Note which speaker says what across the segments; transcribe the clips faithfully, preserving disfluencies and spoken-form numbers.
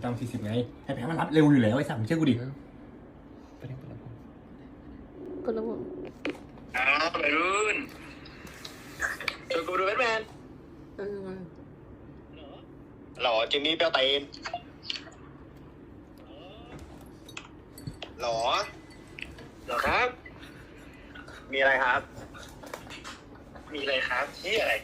Speaker 1: ตามสี่สิบไงให้แพ้มันรับเร็วอยู่แล้วไอ้สัตว์มึงเชื่อกูดิ
Speaker 2: ไปเล่นกันแล้ว
Speaker 3: กดระบบ
Speaker 4: อ้าวไปรุ่นชวนกูดูแบทแมน
Speaker 3: เออ
Speaker 4: หรอจิมมี่เปรี้ยวเตนหรอหรอครับ มีอะไรครับ มีอะไรครับที่อะไร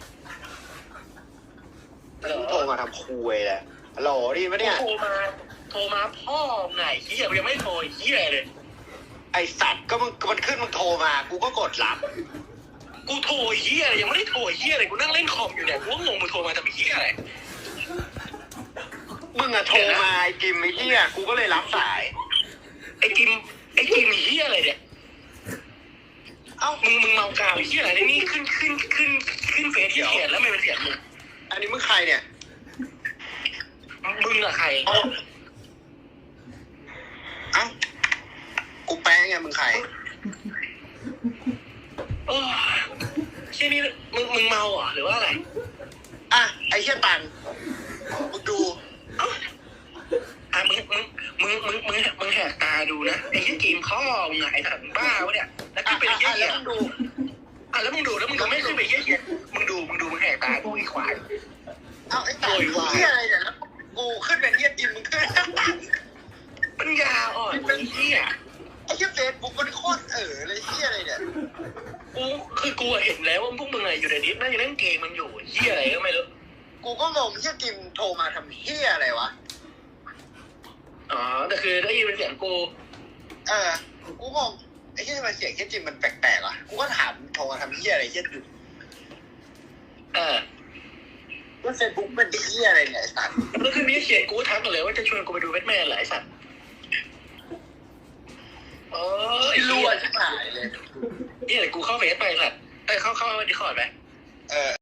Speaker 4: โทรมาทำคุยแหละหรอดีไหมเนี่ยโทรมาโทรมาพ่อไงเฮียยังไม่โทรเฮียเลยไอสัตว์ก็มึงมันขึ้นมึงโทรมากูก็กดรับกูโทรเฮียอะไรยังไม่ได้โทรเฮียอะไรกูนั่งเล่นคอมอยู่เนี่ยกูก็งงมึงโทรมาทำเฮียอะไรมึงอะโทรมาไอ้กิมไอ้เฮียกูก็เลยรับสายไอ้กิมไอ้กิมเฮียอะไรเนี่ยเอ้ามึงมึงเมากาวเฮียอะไรนี่ขึ้นขึ้นขึ้นขึ้นเฟซที่เขียนแล้วไม่เป็นเสียงมึงอันนี้มึงใครเนี่ยมึงอะใครเอ้ากูแป้งไงมึงใครโอ้เชี่ยนี่มึงมึงเมาเหรอหรือว่าอะไรอ่ะไอ้เชี่ยตันมึงดูอ่ะมึงมึงมึงมึงมึงมึงแหกตาดูนะไอ้เชี่ยกีมข้อมึงไงไอ้สัตว์บ้าวะเนี่ยแล้วที่เป็นเชี่ยแล้วมึงดูอ่ะแล้วมึงดูแล้วมึงก็ไม่ขึ้นไปเชี่ยเชี่ยมึงดูมึงดูมึงแหกตาดูอีควายเอาไอ้ตาเชี่ยอะไรเนี่ยกูขึ้นเป็นเชี่ยกีมมึงขึ้นปัญญาอ่อนเป็นเชี่ยไอ้เชี่ยเฟซบุ๊กมันโคตรเอ๋อเลยเชี่ยอะไรเนี่ยกูคือกูเห็นแล้วว่าพวกมึงอะไรอยู่ในดิสนั่งเล่นเกมมันอยู่เชี่ยอะไรก็ไม่รู้กูก็งงเชี่ยกิมโทรมาทำเชี่ยอะไรวะอ๋อแต่คือได้ยินเป็นเสียงกูเออกูงงไอ้เชี่ยทำไมเสียงเชี่ยจิมมันแปลกๆอ่ะกูก็ถามโทรมาทำเชี่ยอะไรเชี่ยอยู่เออว่าเฟซบุ๊กเป็นเชี่ยอะไรเนี่ยไอ้สัตว์แล้วคือมีเขียนกูทักเลยว่าจะชวนกูไปดูแบทแมนเหรอไอ้สัตว์เออไอ้รั่วชิบหายเลยนี่เดี๋ยวกูเข้าเฟซไปสัตว์เอ้ยเข้าเข้าดิคอร์ดไหมเออ